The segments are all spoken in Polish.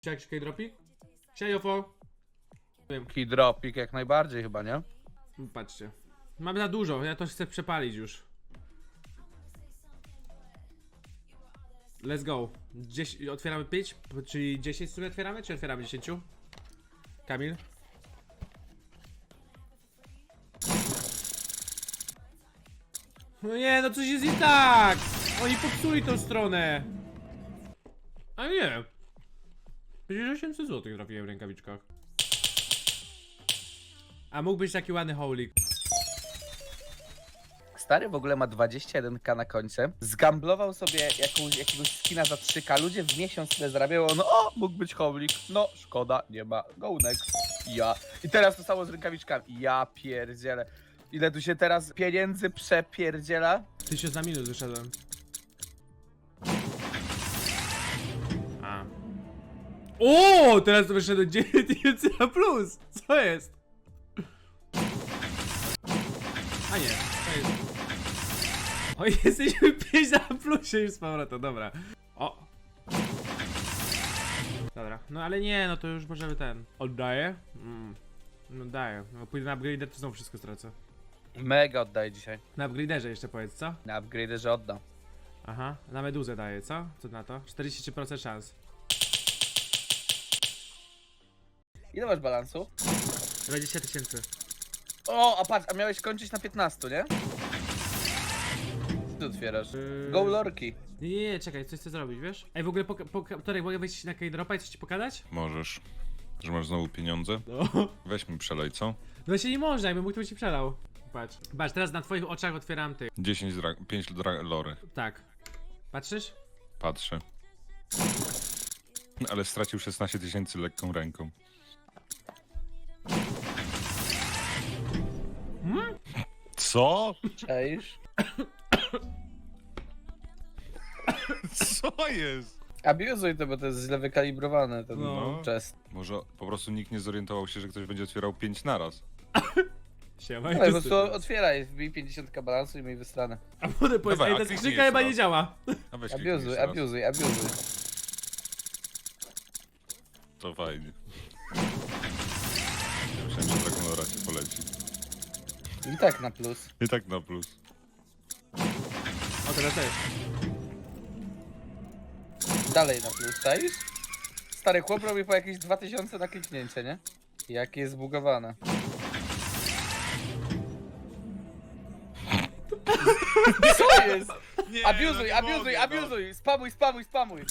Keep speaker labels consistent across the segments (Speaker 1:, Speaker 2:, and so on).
Speaker 1: Jakiś K-dropik? Siajofo.
Speaker 2: Keydropik jak najbardziej chyba, nie?
Speaker 1: Patrzcie. Mamy za dużo, ja to chcę przepalić już. Let's go. Otwieramy 5, czyli 10 w sumie otwieramy, czy otwieramy 10? Kamil? No nie, no coś jest nie tak! Oni popsuli tą stronę! A nie! Przecież 800 zł trafiłem w rękawiczkach. A mógł być taki ładny holik.
Speaker 2: Stary w ogóle ma 21k na końcu. Zgamblował sobie jakiegoś skina za 3k. Ludzie w miesiąc tyle zarabiają. No o, mógł być howlik. No, szkoda, nie ma. Go next. Ja. I teraz to samo z rękawiczkami. Ja pierdzielę. Ile tu się teraz pieniędzy przepierdziela?
Speaker 1: 1000 na minus wyszedłem. A. O, teraz to wyszedłem 9000 na plus. Co jest? A nie, to jest. O, jesteśmy 5 na plusie już z powrotem, dobra. O. Dobra, no ale nie, no to już możemy ten. Oddaję? No daję. No pójdę na upgrader, to znowu wszystko stracę.
Speaker 2: Mega oddaję dzisiaj.
Speaker 1: Na upgraderze jeszcze powiedz, co?
Speaker 2: Na upgraderze oddam.
Speaker 1: Aha, na meduzę daję, co? Co na to? 43% szans.
Speaker 2: Ile masz balansu?
Speaker 1: 20 000.
Speaker 2: O, a patrz, a miałeś kończyć na 15, nie? Co ty otwierasz? Go lorki.
Speaker 1: Nie, czekaj, coś chcę zrobić, wiesz? Ej, w ogóle, Torek, mogę wejść na K-dropa i coś ci pokazać?
Speaker 3: Możesz. Że masz znowu pieniądze?
Speaker 1: No.
Speaker 3: Weź mi przelej, co?
Speaker 1: No się nie można, jakbym mógł, to by ci przelał. Patrz. Patrz, teraz na twoich oczach otwieram ty.
Speaker 3: 5 lory.
Speaker 1: Tak. Patrzysz?
Speaker 3: Patrzę. Ale stracił 16 000 lekką ręką. Co?
Speaker 2: Cześć.
Speaker 3: Co jest?
Speaker 2: Abuzuj to, bo to jest źle wykalibrowane, ten
Speaker 1: No.
Speaker 2: chest.
Speaker 3: Może po prostu nikt nie zorientował się, że ktoś będzie otwierał 5 naraz.
Speaker 1: Siema,
Speaker 2: No, po prostu otwieraj, wbij 50k balansu i miej wystranę.
Speaker 1: A potem powiedz,
Speaker 3: Dawaj,
Speaker 1: ej,
Speaker 3: a
Speaker 1: ta
Speaker 3: kliknij
Speaker 1: skrzynka
Speaker 3: jeszcze
Speaker 1: chyba
Speaker 3: raz.
Speaker 1: nie działa.
Speaker 3: A weź
Speaker 2: Abuzuj,
Speaker 3: kliknij jeszcze raz.
Speaker 2: abuzuj, abuzuj.
Speaker 3: To fajnie. Ja myślałem, że taką lora cię poleci.
Speaker 2: I tak na plus.
Speaker 3: I tak na plus.
Speaker 1: O, teraz też.
Speaker 2: Dalej na plus, czaisz? Stary chłop robi po jakieś 2000 na kliknięcie, nie? Jakie jest zbugowane. Co jest?
Speaker 3: Nie,
Speaker 2: Abuzuj, abuzuj, abuzuj! Spamuj, spamuj, spamuj!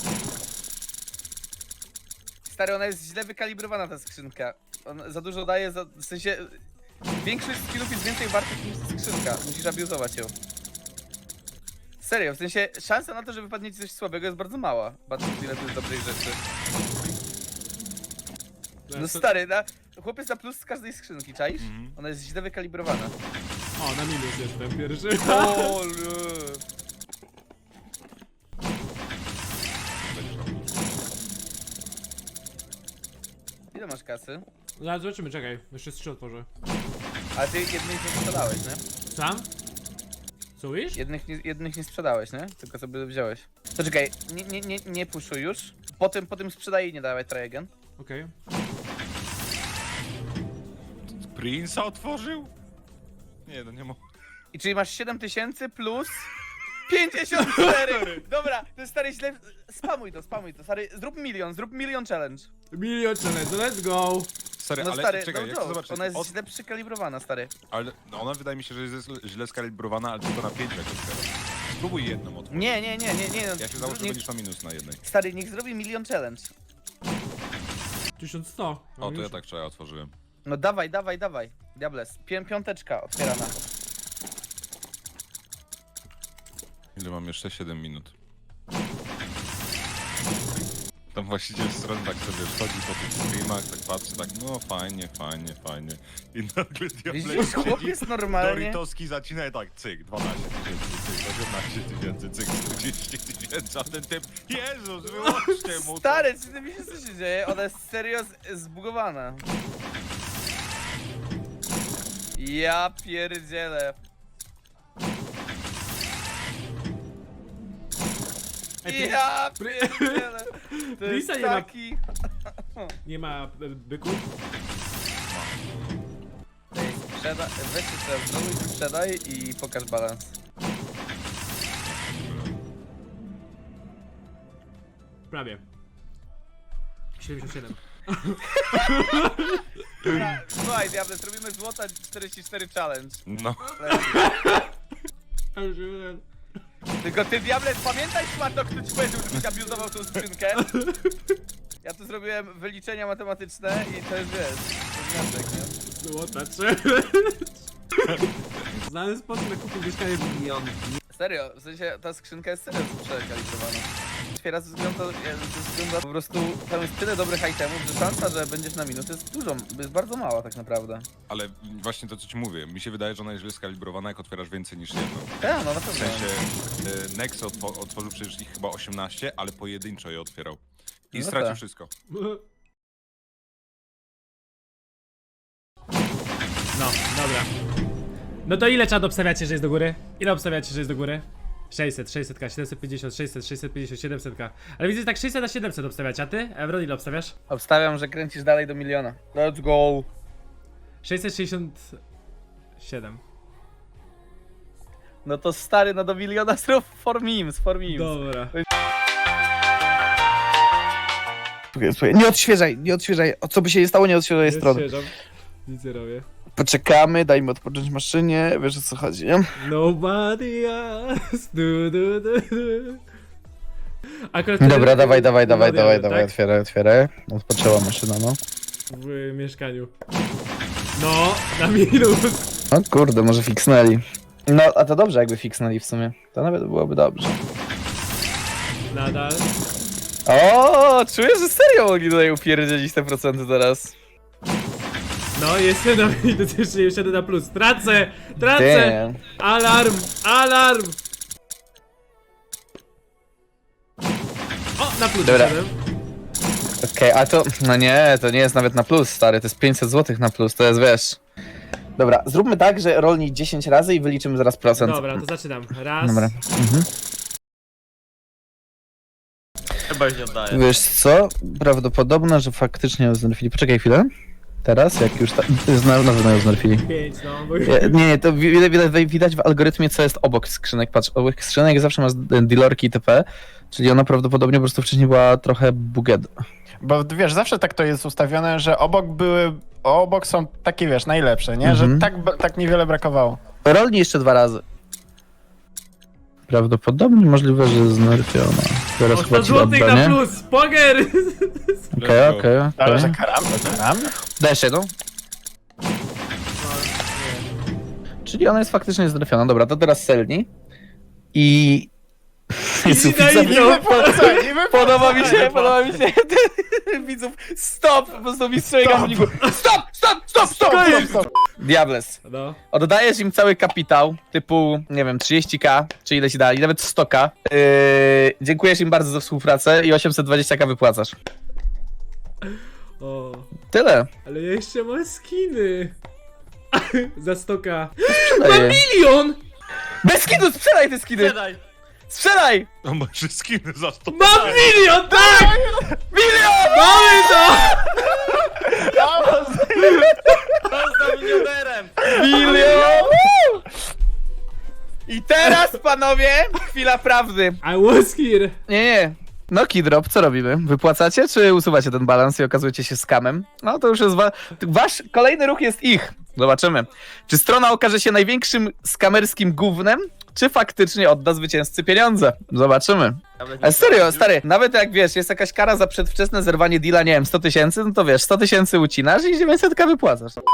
Speaker 2: Stary, ona jest źle wykalibrowana ta skrzynka. On za dużo daje, w sensie... Większość skillów jest więcej wartych niż ta skrzynka. Musisz abuzować ją. Serio, w sensie szansa na to, że wypadnie ci coś słabego jest bardzo mała. Patrząc ile tu jest dobrych rzeczy. No stary, chłopiec na plus z każdej skrzynki, czaisz?
Speaker 3: Mhm.
Speaker 2: Ona jest źle wykalibrowana.
Speaker 1: O, na minus jestem pierwszy.
Speaker 2: O, ile masz kasy?
Speaker 1: Zaraz zobaczymy, czekaj. Jeszcze 3 otworzę.
Speaker 2: Ale ty jednych nie sprzedałeś, nie?
Speaker 1: Sam? Co mówisz?
Speaker 2: Jednych nie sprzedałeś, nie? Tylko sobie wziąłeś. To czekaj, nie puszuj już. Potem sprzedaj i nie dawaj try again.
Speaker 1: Okej.
Speaker 3: Prince'a otworzył? Nie, no nie ma.
Speaker 2: I czyli masz 7000 plus 54! Dobra, to jest stary źle. Spamuj to, stary. Zrób milion challenge.
Speaker 1: Milion challenge, let's go!
Speaker 3: Stary,
Speaker 2: No
Speaker 3: ale
Speaker 2: stary,
Speaker 3: czekaj,
Speaker 2: no
Speaker 3: ja chcę
Speaker 2: joke.
Speaker 3: zobaczyć.
Speaker 2: Ona jest źle przykalibrowana, stary.
Speaker 3: Ale no ona wydaje mi się, że jest źle skalibrowana, ale tylko na 5 jak otwierasz. Spróbuj jedną otworzyć.
Speaker 2: Nie.
Speaker 3: Ja się założę, że będziesz na minus na jednej.
Speaker 2: Stary, niech zrobi milion challenge.
Speaker 1: 1100. No
Speaker 3: O, to ja
Speaker 1: już.
Speaker 3: tak wczoraj otworzyłem.
Speaker 2: No dawaj. Diables. Piąteczka otwierana.
Speaker 3: Ile mam jeszcze? 7 minut. Tam właściciel strony tak sobie wchodzi po tych streamach, tak patrzy, tak no fajnie. I nagle
Speaker 2: Widzisz,
Speaker 3: diabeł
Speaker 2: chłop
Speaker 3: siedzi,
Speaker 2: jest normalnie.
Speaker 3: Doritowski zacina i tak cyk, 12 000, cyk, 18 000, cyk, 40 000, a ten typ, Jezus, wyłączcie mu to.
Speaker 2: Stary, czy ty wiesz co się dzieje? Ona jest serio zbugowana. Ja pierdzielę.
Speaker 1: Ej,
Speaker 2: Ja pierdzielę. To jest
Speaker 1: Prisa nie ma.
Speaker 2: taki...
Speaker 1: Nie ma byków?
Speaker 2: Weź jeszcze znowu i sprzedaj i pokaż balans.
Speaker 1: Prawie. 77.
Speaker 2: Słuchaj, Diable, zrobimy złota 44 challenge.
Speaker 3: No.
Speaker 2: Tylko ty, Diable, pamiętaj, Szmato, kto ci powiedział, żebyś abuzował tą skrzynkę? Ja tu zrobiłem wyliczenia matematyczne i to jest, wiesz, to jest wniosek, nie?
Speaker 1: Złota 3. Znany sposób na kupie mieszkanie w milion.
Speaker 2: Serio, w sensie ta skrzynka jest serio przekalibrowana. Otwiera ze względu, po prostu tam jest tyle dobrych itemów, że szansa, że będziesz na minus jest dużo, jest bardzo mała tak naprawdę.
Speaker 3: Ale właśnie to, co ci mówię, mi się wydaje, że ona jest źle skalibrowana, jak otwierasz więcej niż jedno.
Speaker 2: Tak, no na
Speaker 3: W
Speaker 2: pewno.
Speaker 3: sensie, Nex otworzył przecież ich chyba 18, ale pojedynczo je otwierał. I
Speaker 2: No
Speaker 3: stracił
Speaker 2: tak.
Speaker 3: wszystko.
Speaker 1: No, dobra. No to ile czat obstawiacie, że jest do góry? Ile obstawiacie, że jest do góry? 600, 600k, 750, 600, 650, 700k. Ale widzę, że tak 600 na 700 obstawiacie, a ty? Evron, ile obstawiasz?
Speaker 2: Obstawiam, że kręcisz dalej do miliona. Let's go!
Speaker 1: 667.
Speaker 2: No to stary, no do miliona zrób for memes.
Speaker 1: Dobra.
Speaker 2: Słuchaj, nie odświeżaj. O co by się nie stało, nie odświeżaj strony.
Speaker 1: Nic nie robię.
Speaker 2: Poczekamy, dajmy odpocząć maszynie, wiesz o co chodzi, nie?
Speaker 1: Nobody else. Du. Akurat
Speaker 2: Dobra, dawaj,
Speaker 1: tak?
Speaker 2: otwieraj. Odpoczęła maszyna, no.
Speaker 1: W mieszkaniu. No, na minus.
Speaker 2: O kurde, może fiksnęli. No, a to dobrze jakby fiksnęli w sumie. To nawet byłoby dobrze.
Speaker 1: Nadal.
Speaker 2: O, czuję, że serio mogli tutaj upierdzielić te procenty teraz.
Speaker 1: No, jestem na minus, jeszcze nie wsiadę na plus. Tracę!
Speaker 2: Damn.
Speaker 1: Alarm! O, na plus
Speaker 2: Dobra.
Speaker 1: wsiadłem.
Speaker 2: Okej, a to, no nie, to nie jest nawet na plus, stary, to jest 500 zł na plus, to jest, wiesz. Dobra, zróbmy tak, że rolnij 10 razy i wyliczymy zaraz procent.
Speaker 1: Dobra, to zaczynam. Raz.
Speaker 2: Dobra.
Speaker 4: Chyba już nie oddaję.
Speaker 2: Wiesz co? Prawdopodobne, że faktycznie ją znerfili. Poczekaj chwilę. Teraz, jak już na pewno ją znerfili.
Speaker 1: 5, no. Bo...
Speaker 2: Nie, to widać w algorytmie, co jest obok skrzynek. Patrz, obok skrzynek zawsze masz dealerki itp. Czyli ona prawdopodobnie po prostu wcześniej była trochę bugged.
Speaker 5: Bo wiesz, zawsze tak to jest ustawione, że obok są takie, wiesz, najlepsze, nie? Że tak niewiele brakowało.
Speaker 2: Rolnij jeszcze 2 razy. Prawdopodobnie możliwe, że znerfiona. Teraz
Speaker 1: O,
Speaker 2: chyba
Speaker 1: 100
Speaker 2: ci
Speaker 1: złotych
Speaker 2: odda,
Speaker 1: na
Speaker 2: nie?
Speaker 1: plus! Poger!
Speaker 2: Okej.
Speaker 5: Ale że karam.
Speaker 2: Dajesz jedną? Czyli ona jest faktycznie znerfiona. Dobra, to teraz selni. I... Jezu,
Speaker 1: na inną.
Speaker 2: Podoba mi się. Widzów, stop! Po prostu mistrzowie gamblingu. Stop! Diables.
Speaker 1: No.
Speaker 2: Oddajesz im cały kapitał, typu, nie wiem, 30k, czy ile ci dali, nawet 100k. Dziękujesz im bardzo za współpracę i 820k wypłacasz.
Speaker 1: O,
Speaker 2: Tyle.
Speaker 1: ale ja jeszcze mam skiny. Za 100k.
Speaker 2: Sprzedaję.
Speaker 1: Milion!
Speaker 2: Bez skinu, sprzedaj te skiny!
Speaker 4: Sprzedaj!
Speaker 2: Sprzedaj!
Speaker 3: No masz skiny za 100.
Speaker 1: Mam milion, tak!
Speaker 2: Milion!
Speaker 1: Mamy to!
Speaker 4: Został milionerem!
Speaker 2: Milion! I teraz, panowie, chwila prawdy.
Speaker 1: I was here.
Speaker 2: Nie. No Kidrop, co robimy? Wypłacacie, czy usuwacie ten balans i okazujecie się skamem? No to już jest wasz kolejny ruch jest ich. Zobaczymy. Czy strona okaże się największym skamerskim gównem, czy faktycznie odda zwycięzcy pieniądze? Zobaczymy. Ale serio, stary, nawet jak wiesz, jest jakaś kara za przedwczesne zerwanie deala, nie wiem, 100 000, no to wiesz, 100 000 ucinasz i 900k wypłacasz.